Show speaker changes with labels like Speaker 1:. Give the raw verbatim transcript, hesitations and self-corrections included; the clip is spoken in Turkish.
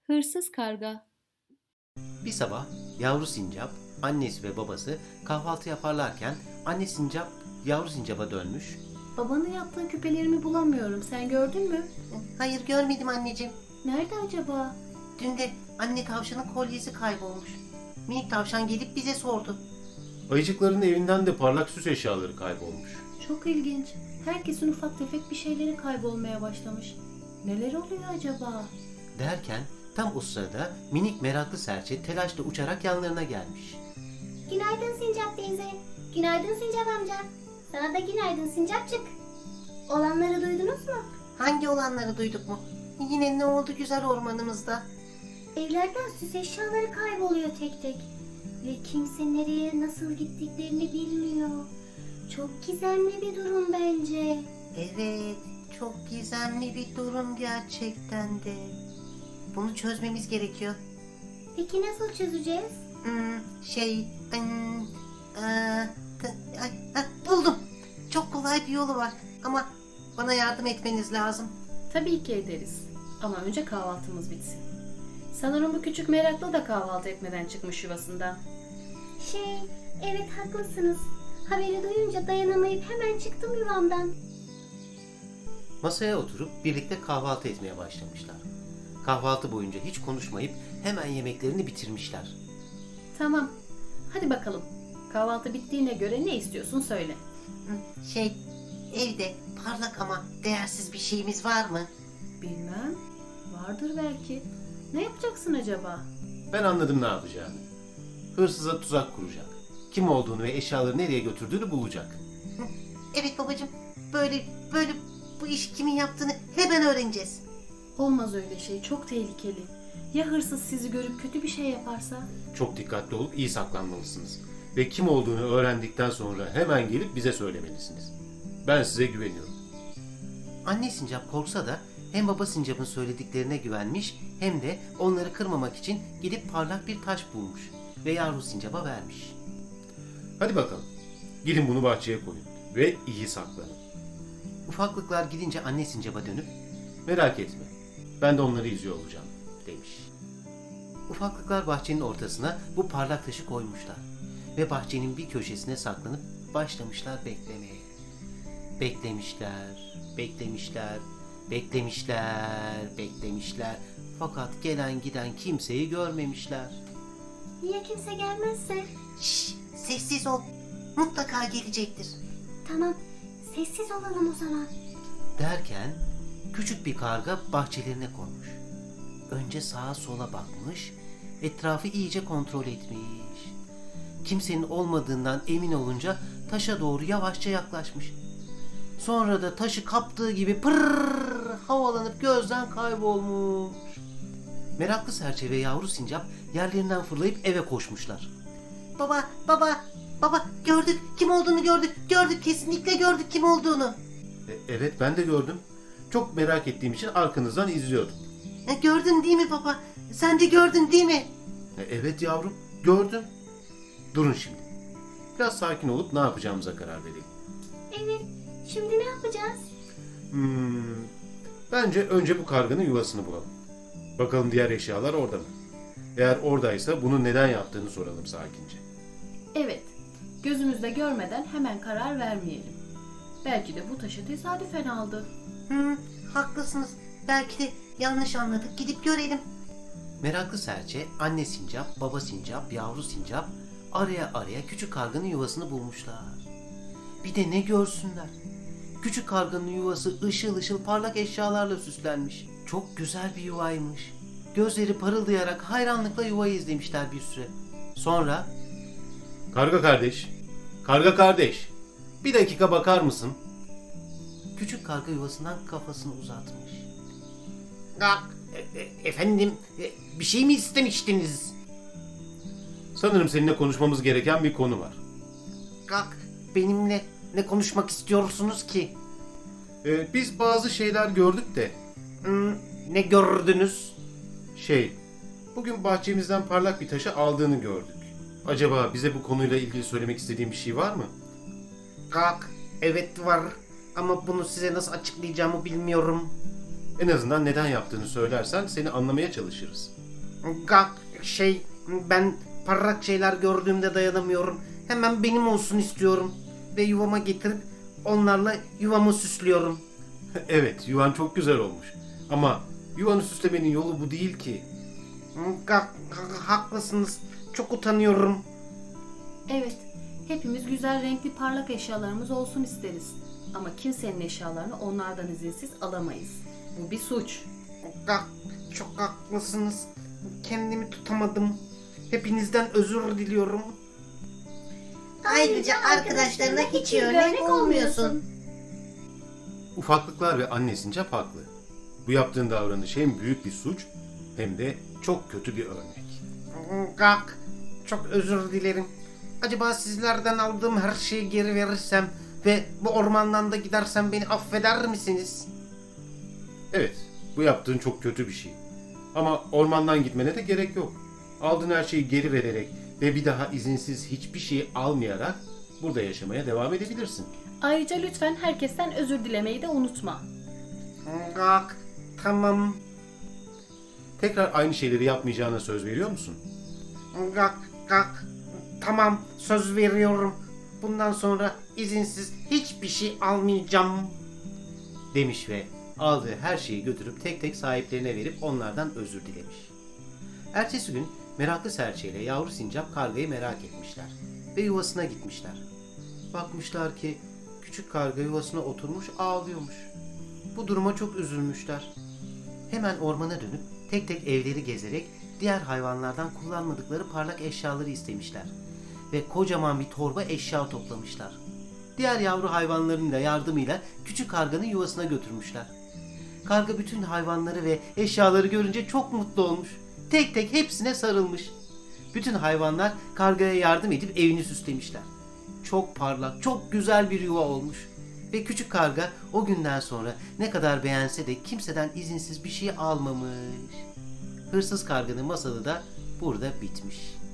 Speaker 1: Hırsız karga.
Speaker 2: Bir sabah yavru sincap, annesi ve babası kahvaltı yaparlarken anne sincap yavru sincaba dönmüş.
Speaker 1: Babanın yaptığı küpelerimi bulamıyorum. Sen gördün mü?
Speaker 3: Hayır görmedim anneciğim.
Speaker 1: Nerede acaba?
Speaker 3: Dün de anne tavşanın kolyesi kaybolmuş. Minik tavşan gelip bize sordu.
Speaker 2: Ayıcıkların evinden de parlak süs eşyaları kaybolmuş.
Speaker 1: Çok ilginç. Herkesin ufak tefek bir şeyleri kaybolmaya başlamış. Neler oluyor acaba?
Speaker 2: Derken tam o sırada minik meraklı serçe telaşla uçarak yanlarına gelmiş.
Speaker 4: Günaydın Sincap teyze. Günaydın Sincap amca. Sana da günaydın Sincapçık. Olanları duydunuz mu?
Speaker 3: Hangi olanları duyduk mu? Yine ne oldu güzel ormanımızda?
Speaker 4: Evlerden süs eşyaları kayboluyor tek tek. Ve kimse nereye nasıl gittiklerini bilmiyor. Çok gizemli bir durum bence.
Speaker 3: Evet, çok gizemli bir durum gerçekten de. Bunu çözmemiz gerekiyor.
Speaker 4: Peki nasıl çözeceğiz?
Speaker 3: Hmm, şey, hmm, aa, t- ay, ah, buldum. Çok kolay bir yolu var ama bana yardım etmeniz lazım.
Speaker 1: Tabii ki ederiz. Ama önce kahvaltımız bitsin. Sanırım bu küçük meraklı da kahvaltı etmeden çıkmış yuvasından.
Speaker 4: Şey, evet haklısınız. Haberi duyunca dayanamayıp hemen çıktım yuvamdan.
Speaker 2: Masaya oturup birlikte kahvaltı etmeye başlamışlar. Kahvaltı boyunca hiç konuşmayıp hemen yemeklerini bitirmişler.
Speaker 1: Tamam. Hadi bakalım. Kahvaltı bittiğine göre ne istiyorsun söyle.
Speaker 3: Hmm, Şey, evde parlak ama değersiz bir şeyimiz var mı?
Speaker 1: Bilmem. Vardır belki. Ne yapacaksın acaba?
Speaker 2: Ben anladım ne yapacağını. Hırsıza tuzak kuracak. Kim olduğunu ve eşyaları nereye götürdüğünü bulacak.
Speaker 3: Evet babacığım, böyle böyle bu iş kimin yaptığını hemen öğreneceğiz.
Speaker 1: Olmaz öyle şey. Çok tehlikeli. Ya hırsız sizi görüp kötü bir şey yaparsa?
Speaker 2: Çok dikkatli olup iyi saklanmalısınız. Ve kim olduğunu öğrendikten sonra hemen gelip bize söylemelisiniz. Ben size güveniyorum. Anne sincap korksa da hem baba sincapın söylediklerine güvenmiş hem de onları kırmamak için gidip parlak bir taş bulmuş ve yavru sincaba vermiş. Hadi bakalım. Gidin bunu bahçeye koyun ve iyi saklanın. Ufaklıklar gidince anne sincaba dönüp merak etme ben de onları izliyor olacağım demiş. Ufaklıklar bahçenin ortasına bu parlak taşı koymuşlar ve bahçenin bir köşesine saklanıp başlamışlar beklemeye. Beklemişler, beklemişler, beklemişler, beklemişler. Fakat gelen giden kimseyi görmemişler.
Speaker 4: Ya kimse gelmezse?
Speaker 3: Şşş, sessiz ol. Mutlaka gelecektir.
Speaker 4: Tamam, sessiz olalım o zaman.
Speaker 2: Derken küçük bir karga bahçelerine konmuş. Önce sağa sola bakmış, etrafı iyice kontrol etmiş. Kimsenin olmadığından emin olunca taşa doğru yavaşça yaklaşmış. Sonra da taşı kaptığı gibi pırrrr havalanıp gözden kaybolmuş. Meraklı serçe ve yavru sincap yerlerinden fırlayıp eve koşmuşlar.
Speaker 3: Baba, baba, baba gördük. Kim olduğunu gördük. Gördük, kesinlikle gördük kim olduğunu.
Speaker 2: E, evet ben de gördüm. Çok merak ettiğim için arkanızdan izliyordum.
Speaker 3: E, gördün değil mi baba? Sen de gördün değil mi?
Speaker 2: E, evet yavrum gördüm. Durun şimdi. Biraz sakin olup ne yapacağımıza karar verelim.
Speaker 4: Evet, şimdi ne yapacağız?
Speaker 2: Hmm, bence önce bu karganın yuvasını bulalım. Bakalım diğer eşyalar orada mı? Eğer oradaysa bunu neden yaptığını soralım sakince.
Speaker 1: Evet. Gözümüzde görmeden hemen karar vermeyelim. Belki de bu taşı tesadüfen aldı.
Speaker 3: Hı, haklısınız. Belki de yanlış anladık. Gidip görelim.
Speaker 2: Meraklı serçe, anne sincap, baba sincap, yavru sincap araya araya küçük karganın yuvasını bulmuşlar. Bir de ne görsünler. Küçük karganın yuvası ışıl ışıl parlak eşyalarla süslenmiş. Çok güzel bir yuvaymış. Gözleri parıldayarak hayranlıkla yuvayı izlemişler bir süre. Sonra... Karga kardeş, karga kardeş, bir dakika bakar mısın? Küçük karga yuvasından kafasını uzatmış.
Speaker 3: Gak, e- e- efendim, e, bir şey mi istemiştiniz?
Speaker 2: Sanırım seninle konuşmamız gereken bir konu var.
Speaker 3: Gak, benimle ne konuşmak istiyorsunuz ki?
Speaker 2: Ee, biz bazı şeyler gördük de...
Speaker 3: Hmm, ne gördünüz?
Speaker 2: Şey, bugün bahçemizden parlak bir taşı aldığını gördük. Acaba bize bu konuyla ilgili söylemek istediğin bir şey var mı?
Speaker 3: Gak, evet var ama bunu size nasıl açıklayacağımı bilmiyorum.
Speaker 2: En azından neden yaptığını söylersen seni anlamaya çalışırız.
Speaker 3: Gak şey ben parlak şeyler gördüğümde dayanamıyorum. Hemen benim olsun istiyorum. Ve yuvama getirip onlarla yuvamı süslüyorum.
Speaker 2: Evet, yuvan çok güzel olmuş. Ama yuvanı süslemenin yolu bu değil ki.
Speaker 3: Gak, haklısınız. Çok utanıyorum.
Speaker 1: Evet, hepimiz güzel renkli parlak eşyalarımız olsun isteriz. Ama kimsenin eşyalarını onlardan izinsiz alamayız. Bu bir suç.
Speaker 3: Gak, çok haklısınız. Kendimi tutamadım. Hepinizden özür diliyorum. Ayrıca arkadaşlarına hiç iyi örnek olmuyorsun.
Speaker 2: Ufaklıklar ve anne sincap haklı. Bu yaptığın davranış hem büyük bir suç hem de çok kötü bir örnek.
Speaker 3: Gak, çok özür dilerim. Acaba sizlerden aldığım her şeyi geri verirsem ve bu ormandan da gidersem beni affeder misiniz?
Speaker 2: Evet, bu yaptığın çok kötü bir şey. Ama ormandan gitmene de gerek yok. Aldığın her şeyi geri vererek ve bir daha izinsiz hiçbir şey almayarak burada yaşamaya devam edebilirsin.
Speaker 1: Ayrıca lütfen herkesten özür dilemeyi de unutma.
Speaker 3: Gak, tamam.
Speaker 2: Tekrar aynı şeyleri yapmayacağına söz veriyor musun?
Speaker 3: Gak, gak, tamam, söz veriyorum. Bundan sonra izinsiz hiçbir şey almayacağım.
Speaker 2: Demiş ve aldığı her şeyi götürüp tek tek sahiplerine verip onlardan özür dilemiş. Ertesi gün meraklı serçe ile yavru sincap kargayı merak etmişler ve yuvasına gitmişler. Bakmışlar ki küçük karga yuvasına oturmuş ağlıyormuş. Bu duruma çok üzülmüşler. Hemen ormana dönüp tek tek evleri gezerek diğer hayvanlardan kullanmadıkları parlak eşyaları istemişler ve kocaman bir torba eşya toplamışlar. Diğer yavru hayvanların da yardımıyla küçük karganın yuvasına götürmüşler. Karga bütün hayvanları ve eşyaları görünce çok mutlu olmuş. Tek tek hepsine sarılmış. Bütün hayvanlar kargaya yardım edip evini süslemişler. Çok parlak, çok güzel bir yuva olmuş. Ve küçük karga o günden sonra ne kadar beğense de kimseden izinsiz bir şey almamış. Hırsız karganın masalı da burada bitmiş.